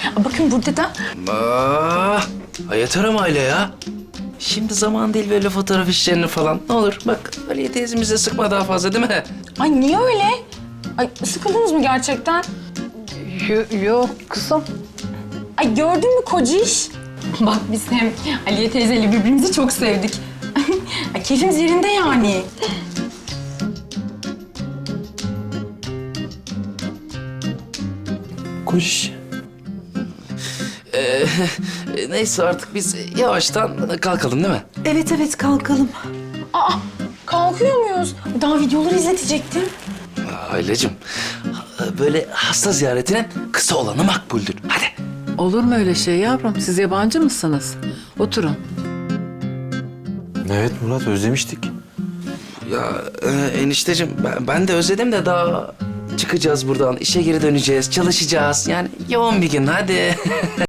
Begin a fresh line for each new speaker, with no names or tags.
Bakın burada da.
Yeter ama Aile ya. Şimdi zaman değil böyle fotoğraf işlerini falan. Ne olur bak Aliye teyzemize sıkma daha fazla değil mi?
Ay niye öyle? Ay sıkıldınız mı gerçekten?
Yok kızım.
Ay gördün mü kociş? Bak biz hem Aliye teyzeyle birbirimizi çok sevdik. Ay keyfimiz yerinde yani.
Koş. Neyse artık biz yavaştan kalkalım değil mi?
Evet evet kalkalım.
Aa kalkıyor muyuz? Daha videoları izletecektim.
Ailecim, böyle hasta ziyaretinin kısa olanı makbuldür. Hadi.
Olur mu öyle şey yavrum? Siz yabancı mısınız? Oturun.
Evet Murat, özlemiştik.
Ya enişteciğim ben de özledim de daha çıkacağız buradan. İşe geri döneceğiz, çalışacağız. Yani yoğun bir gün hadi.